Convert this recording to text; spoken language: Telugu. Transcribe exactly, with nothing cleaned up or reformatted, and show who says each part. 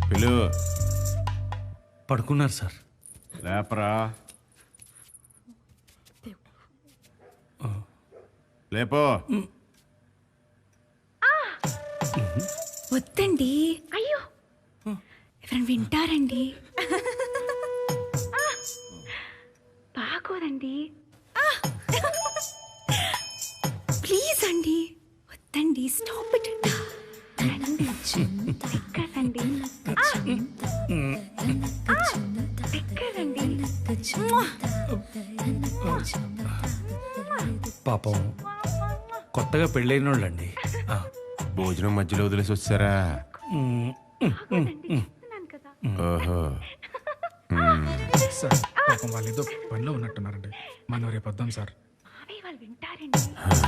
Speaker 1: పిలు.
Speaker 2: పడుకున్నారు సార్.
Speaker 1: లేపరా. లేపో.
Speaker 3: వద్దండి. అయ్యో ఎవరైనా వింటారండి. బాగోదండి. ప్లీజ్ అండి వద్దండి. Stop it. ఎక్కడండి ఎక్కడండి.
Speaker 2: పాపం కొత్తగా పెళ్ళైన వాళ్ళండి.
Speaker 1: భోజనం మధ్యలో వదిలేసి వచ్చారా? ఓహో.
Speaker 4: సార్ పాపం వాళ్ళు ఏదో పనిలో ఉన్నట్టున్నారండి. మనం రేపు వద్దాం సార్.
Speaker 3: వాళ్ళు వింటారండి.